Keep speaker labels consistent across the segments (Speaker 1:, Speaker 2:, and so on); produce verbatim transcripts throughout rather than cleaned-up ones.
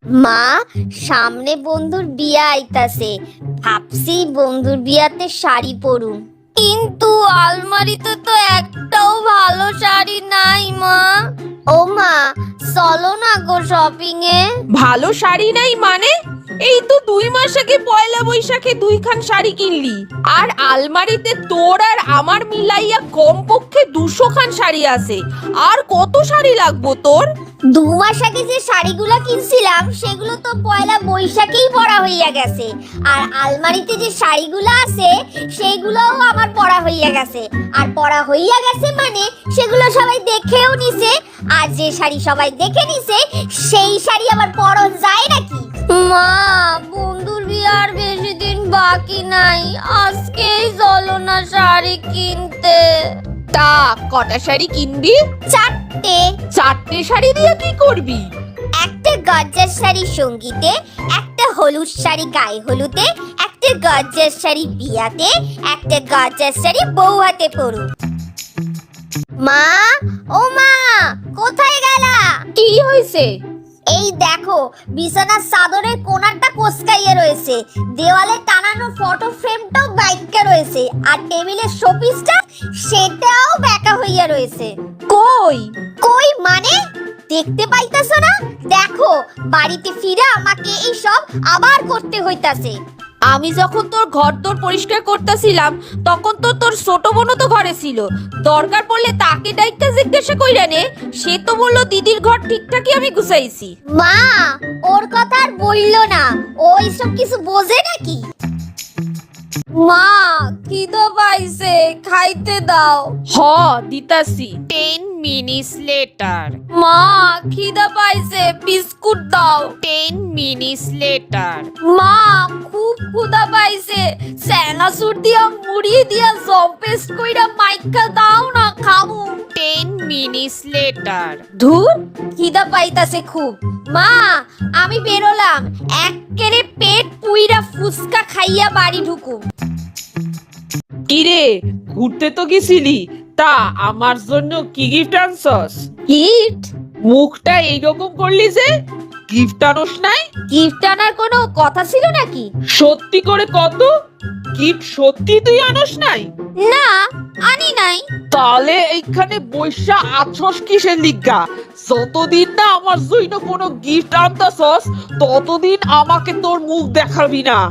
Speaker 1: মা, সামনে বন্ধুর বিয়া আইতাছে, ভাবছি বন্ধুর বিয়াতে শাড়ি পরুম, কিন্তু আলমারিতে তো একটাও ভালো শাড়ি নাই মা। ও মা, চলো না গো শপিং এ।
Speaker 2: ভালো শাড়ি নাই মানে? এই তো দুই মাস আগে পয়লা বৈশাখে দুইখান শাড়ি কিনলি, আর আলমারিতে তোর আর আমার মিলাইয়া কমপক্ষে দুশো খান শাড়ি আছে। আর কত শাড়ি লাগবো তোর?
Speaker 1: দু মাস আগে যে শাড়িগুলো কিনছিলাম সেগুলো তো পয়লা বৈশাখেই পরা হইয়া গেছে, আর আলমারিতে যে শাড়িগুলো আছে সেগুলোও আমার পরা হইয়া গেছে। আর পরা হইয়া গেছে মানে সেগুলো সবাই দেখেও নিছে, আর যে শাড়ি সবাই দেখে নিছে সেই শাড়ি আবার পরন যায় নাকি? মা, বন্ধুর বিয়ার বেশি দিন বাকি নাই, আজকেই চলো না শাড়ি কিনতে।
Speaker 2: তা কটা শাড়ি কিনবি?
Speaker 1: চারটে।
Speaker 2: চারটে শাড়ি দিয়ে কি করবি?
Speaker 1: একটা গর্জার শাড়ি সঙ্গীতে, একটা হলুদ শাড়ি গায়ে হলুদে, একটা গর্জার শাড়ি বিয়াতে, একটা গর্জার শাড়ি বউ হাতে পরু। মা, ও মা, কোথায় গেলা?
Speaker 2: কি হয়েছে?
Speaker 1: এই দেখো, বিছানার চাদরের কোণারটা কোসকাইয়া রয়েছে, দেওয়ালে টানানো ফটো ফ্রেমটাও বাইকা রয়েছে, আর টেবিলের শোপিসটা সেটাও বেঁকা হইয়া রয়েছে।
Speaker 2: কই
Speaker 1: কই মানে? দেখতে পাইতাছো না? দেখো, বাড়িতে ফিরে আমাকে এই সব আবার করতে হইতাছে।
Speaker 2: আমি যখন তোর ঘর তোর পরিষ্কার করতেছিলাম তখন তো তোর ছোট বোনও তো ঘরে ছিল। দরকার পড়লে তাকে ডাইকা জিজ্ঞাসা কইরা নে, সে তো বললো দিদির ঘর ঠিকঠাকই আমি গুছাইছি।
Speaker 1: মা, ওর কথা আর বললো না, ও এইসব কিছু বোঝে নাকি? মা, খিদে পাইছে, খাইতে দাও।
Speaker 2: হ দিতাছি। Ten minutes later.
Speaker 1: মা, খিদে পাইছে, বিস্কুট দাও।
Speaker 2: Ten minutes later.
Speaker 1: মা, খুব ক্ষুধা পাইছে, চানাচুর দিয়া মুড়ি দিয়া জব পেস্ট কইরা মাইকা দাও না, খামু।
Speaker 2: Ten minutes later.
Speaker 1: ধুর, খিদা পাইতাছে খুব। মা, আমি বেরোলাম, এক্কেরে পেট পুইরা ফুচকা খাইয়া বাড়ি ঢুকুম।
Speaker 2: কিরে, ঘুরতে তো গেছিলি, তা আমার জন্য কি গিফট আনছস?
Speaker 1: গিফট?
Speaker 2: মুখটা এইরকম করলি যে, গিফট আনস নাই?
Speaker 1: গিফট আনার কোনো কথা ছিল নাকি?
Speaker 2: সত্যি করে কত, গিফট সত্যি তুই আনস নাই?
Speaker 1: না, আনি নাই।
Speaker 2: তাহলে এইখানে বৈশা আছস কিসের লিগা? যতদিন না আমার জন্য কোনো গিফট আনতাছস ততদিন আমাকে তোর মুখ দেখাবি না।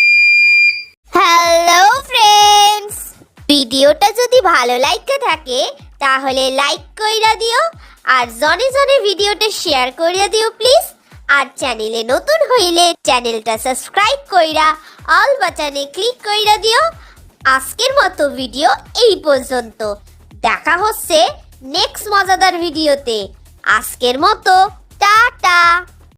Speaker 1: হ্যালো ফ্রেন্ডস, ভিডিওটা যদি ভালো লাগতে থাকে তাহলে লাইক কইরা দিও, আর জনে জনে ভিডিওটা শেয়ার কইরা দিও প্লিজ। আর চ্যানেলে নতুন হইলে চ্যানেলটা সাবস্ক্রাইব কইরা অল বাটনে ক্লিক কইরা দিও। আজকের মতো ভিডিও এই পর্যন্ত, দেখা হচ্ছে নেক্সট মজাদার ভিডিওতে। আজকের মতো টাটা।